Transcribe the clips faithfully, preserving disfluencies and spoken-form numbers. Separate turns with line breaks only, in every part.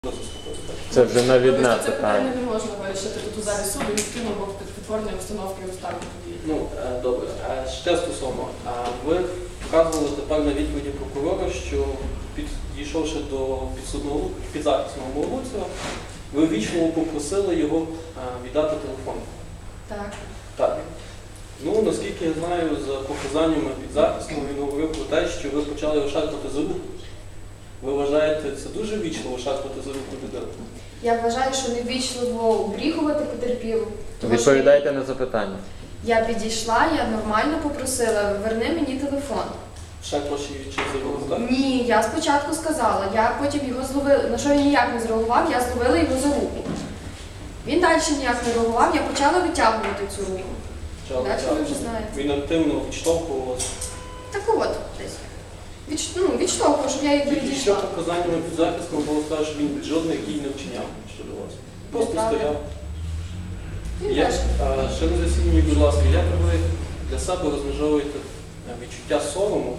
Це вже навідне
Це питання
питання.
не можна вирішити тут у залі суду, відкинув бо підтворення установки обставин події.
Ну, е, добре. Е, Ще стосовно, е, ви вказували тепер на відповіді прокурора, що підійшовши до підсудного підзахисного Молодцева, ви ввічливо попросили його е, віддати телефон.
Так.
Так. Ну, наскільки я знаю, за показаннями підзахисного він говорив про те, що ви почали його шарпати за руку. Ви вважаєте, це дуже ввічливо шарпати за руку людину?
Я вважаю, що невічливо обріхувати потерпілу. Тому що
Відповідайте на запитання.
Я підійшла, я нормально попросила, верни мені телефон.
Ще ваші чи за руку, так?
Ні, я спочатку сказала, я потім його зловила, на що він ніяк не зреагував, я зловила його за руку. Він далі ніяк не реагував, я почала витягувати цю руку.
Почали
Далі ви вже
тягнути.
знаєте.
Він активно відштовхував вас.
Так от, десь. Відш... Ну, відштовхував, щоб я їх
Тільки що
відійшла.
показаннями підзахисного було сказано, що він жодних дій не вчиняв щодо вас. Просто
Неправда.
стояв.
Він
Як,
теж.
а, ще на засіданні, будь ласка, як ви для себе розмежовуєте е, відчуття сорому?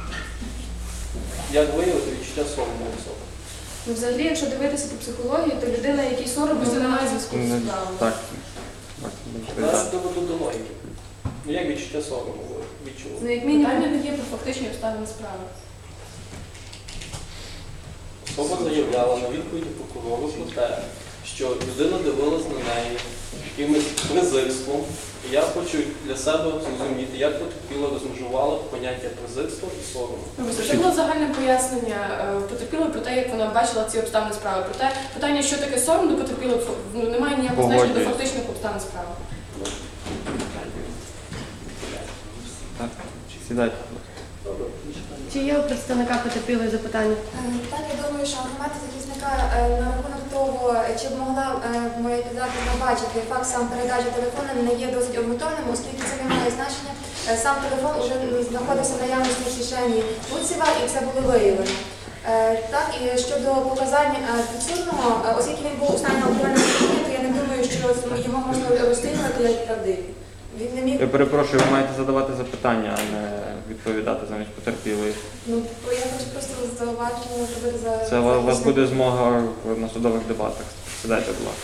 Як виявити відчуття сорому у особи?
Ну, взагалі, якщо дивитися по психології, то людина, який соромно,
Просто немає
вона...
зв'язку з
Ну,
справою.
Так.
Зараз доведу до логіки. Ну як відчуття сорому ви відчули?
Ну, як
Питання
мінімум,
не є про фактичні обставини справи.
Особа заявляла на відповіді прокурору про те, що людина дивилась на неї якимось презирством. І я хочу для себе зрозуміти, як потерпіла розмежувала поняття презирства і сорому.
Вибачте, Це було загальне пояснення е, потерпілої про те, як вона бачила ці обставини справи. Проте питання, що таке сором до потерпілої, ну, немає ніякого значення до
Погоджуюсь.
фактичних обставин справи.
Так. Сідайте.
Добре.
Чи є у представника потерпілої запитання?
Е, Так, я думаю, що аргументи захисника е, на рахунок того, чи б могла е, моя підзахисна бачити факт сам передачі телефону, не є досить обґрунтованим, оскільки це не має значення. Е, Сам телефон вже знаходився в наявності в кишені Луцева, і це було виявлено. Е, Так, і щодо показань е, підсудного, е, оскільки він був у стані алкогольного сп'яніння, то я не думаю, що його можна розцінювати як правдивий. Він не міг.
Я перепрошую, ви маєте задавати запитання, а не відповідати замість потерпілої.
Ну, я хочу просто зауважити, робити за
Це у вас
захисника.
буде змога на судових дебатах. Сідайте, будь ласка.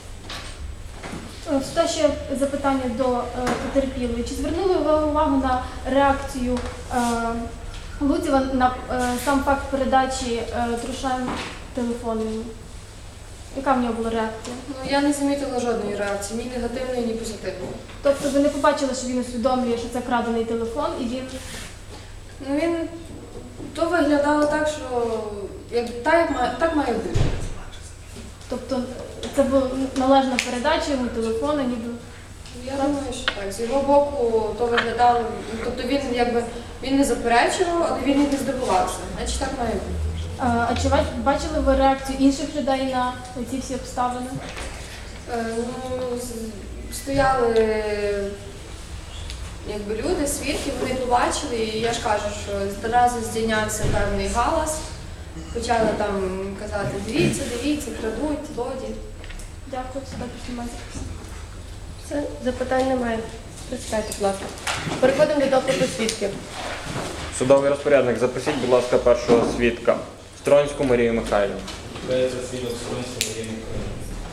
Сюди ще запитання до е, потерпілої. Чи звернули ви увагу на реакцію е, Луцева на е, сам факт передачі е, Трушан телефону? Яка в нього була реакція?
ну, я не замітила жодної реакції, ні негативної, ні позитивної.
Тобто ви не побачили, що він усвідомлює, що це крадений телефон, і він
Ну, він то виглядало так, що як, так, як має, так має бути.
тобто це була належна передача йому телефону, ніби.
Я думаю, що так. З його боку то виглядало, ну, тобто він якби він не заперечував, але він і не здивувався. Значить так має бути.
А, а чи ва- бачили ви реакцію інших людей на ці всі обставини?
Е, ну, з- стояли якби люди, свідки, вони побачили, і я ж кажу, що одразу здійнявся певний галас. Почали там казати, дивіться, дивіться, крадуть, злодії.
Дякую, сюди знімайте.
Все, запитань немає. Прочитайте, будь ласка. Переходимо до допиту свідків.
Судовий розпорядник, запросіть, будь ласка, першого свідка. Стронську Марію Михайлівну.
Дається свідок Стронського Марії Михайлівни.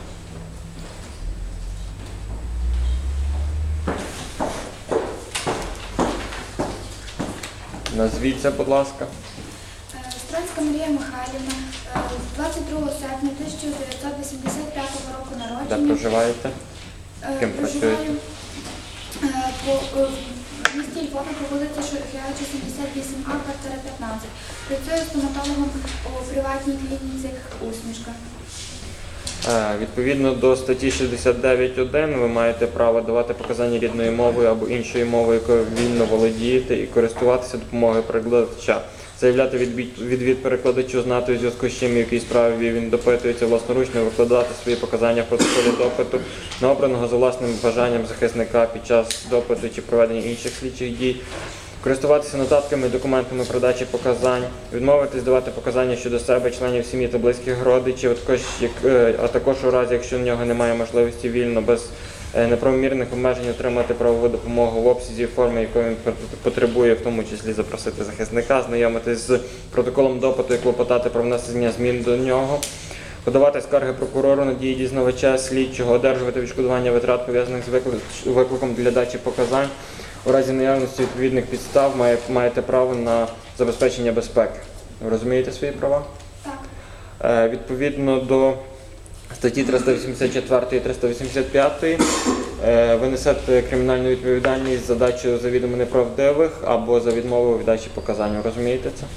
Назвіться, будь ласка.
Стронська Марія Михайлівна, е, двадцять другого серпня тисяча дев'ятсот вісімдесят п'ятого року
Де
народження.
проживаєте?
Е,
ким
проживаю,
працюєте?
е, по, е, в місті Львові по вулиці Шухевича, сімдесят вісім А, квартира п'ятнадцять. Працюю стоматологом у приватній клініці «Усмішка».
Е, Відповідно до статті шістдесят дев'ять один ви маєте право давати показання рідною мовою або іншою мовою, якою вільно володієте, і користуватися допомогою перекладача. Заявляти відбій- відвід перекладачу, знати у зв'язку з чим, в якій справі він допитується, власноручно викладати свої показання в протоколі допиту на обраного за власним бажанням захисника під час допиту чи проведення інших слідчих дій, користуватися нотатками і документами про дачі показань, відмовитись давати показання щодо себе, членів сім'ї та близьких родичів, а також, як, е, а також у разі, якщо в нього немає можливості вільно, без е, неправомірних обмежень отримати правову допомогу в обсязі і формі, якої він пот- потребує, в тому числі запросити захисника, знайомитись з протоколом допиту і клопотати про внесення змін до нього, подавати скарги прокурору на дії дізнавача, слідчого, одержувати відшкодування витрат, пов'язаних з виклик- викликом для дачі показань. У разі наявності відповідних підстав має, маєте право на забезпечення безпеки. Ви розумієте свої права?
Так.
Е, Відповідно до статті триста вісімдесят чотири і триста вісімдесят п'ять е, ви несете кримінальну відповідальність за дачу завідомо неправдивих або за відмову від дачі показань. Ви розумієте це?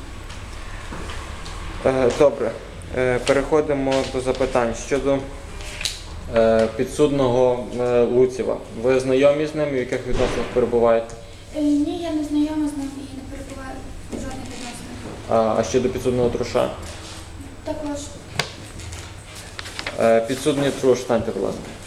Так.
Е, Добре. Е, Переходимо до запитань щодо е, підсудного е, Луцєва. Ви знайомі з ним і в яких відносинах перебуваєте?
Е, Ні, я не знайома з ним і не перебуваю в жодних відносинах.
А, а щодо підсудного Труша?
Також
Е, Підсудний Труш, станьте, будь ласка.